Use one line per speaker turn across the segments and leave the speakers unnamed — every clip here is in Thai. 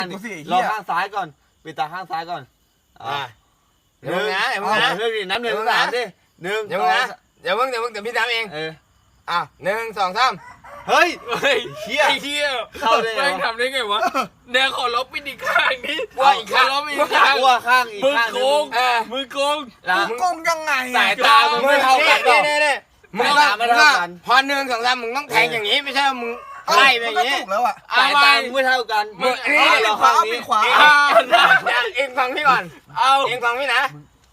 รอข้างซ้ายก่อนปิดตาข้างซ้ายก่อน
เดี๋ยวมึงนะเดี๋ยวมึงนะ
เรื่องนี้น้ำหนึ่งสามดิหนึ่ง
เดี๋ยวมึงนะเดี๋ยวพี่ทำเอง1 2 3
เฮ้ยเฮีย
ไอ้เหี้ย
เข้าได้ไง
แม่งทำได้ไงวะแนวขอลบปิดอีกข้างนี้
ว่าอีกข้าง
ลบอีกข้าง
ว่าข้างอีก
มือ
ข้าง
โกงมือโกง
มึง
โกงยังไง
สายตามึงไม่เท่ากันหรอก
นี่มึงพอ1 2 3มึงต้องแทงอย่างนี้ไม่ใช่มึงไล่ไปอย่างนี้
ถูกแล้วอ่ะ
สายตามึงไม่เท่ากันเราข้างนี้
ขวา
เองฟังพี่ก่อนเองฟังพี่นะ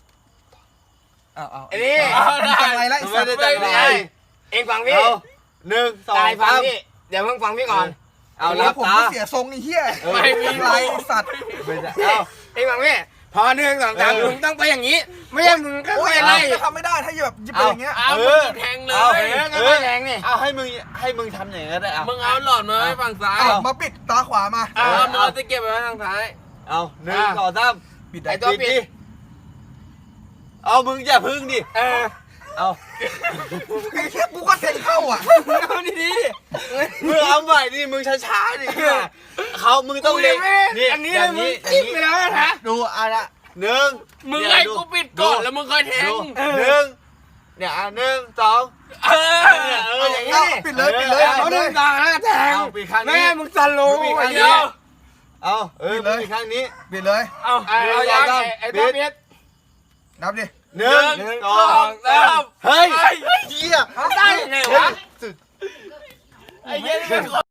เอา
ไอ้นี่
จังไรไล่สัตว์
ไม่ได้จังไร
เองฟังพี่
หนึ่งสอง
ตายฟัง
สาม
พี่เดี๋ยวมึงฟังพี่ก่อน
เอาลั
แล้ว
บ
ผม
ตา
ก็เสียทรงไอ้เหี้ย
ไม่มี
ไรสัตว์
ไม่ใช่
เองฟังพี่พอ1 2 3มึงต้องไปอย่างนี้ไม่ใช่มึงก็
โอ้ย
ไป
ไล่
ไล่
จะทำไม่ได้ถ้าแบบยิบไปอย่างเงี้ย
เอามึงแทงเลย
ก็ไม่แรงนี่
เอาให้มึงทำอย่างนั้นได้เอา
มึงเอาหลอดมาไว้ฝั่งซ้าย
มาปิดตาขวามา
เอามือตะเกียบไปไว้ทางซ้าย
เอาหนึ่งสองสาม
ปิด
ไอ้
ได้
ตัวปิด
เอามึงอย่าพึ่งดิเอา
ไอ้เหี้ยกูก็เซ็นเข้าอ่ะ
เอาดี
มึงเอาใหม่ดิมึงช้าๆดิมึงต้องเล็ง
อันนี้มึงจิ้มไปแล้วนะ
ดูอะไรหนึ่ง
มึงให้กูปิดก่อนแล้วมึงค่อยแทง
หนึ่งเนี่ยหนึ่งสอง
อย่างนี้
ปิดเลยปิดเลย
เอา
ปิดเลย
1 2 3แทง
เอาปีกข้าง
แม่
นี้
มึงจะรู้
เดี
เดี
ย
ยว ว
เอามึงปีกข้างนี้
ปิดเลย
เอา
เอาอย่างไอ้ตัวเพี้ย
นับดิ
หนึ่งสองสามเฮ้ยเฮีย
ได้ไงวะ
ไอ้เหี้ยนี่เป็น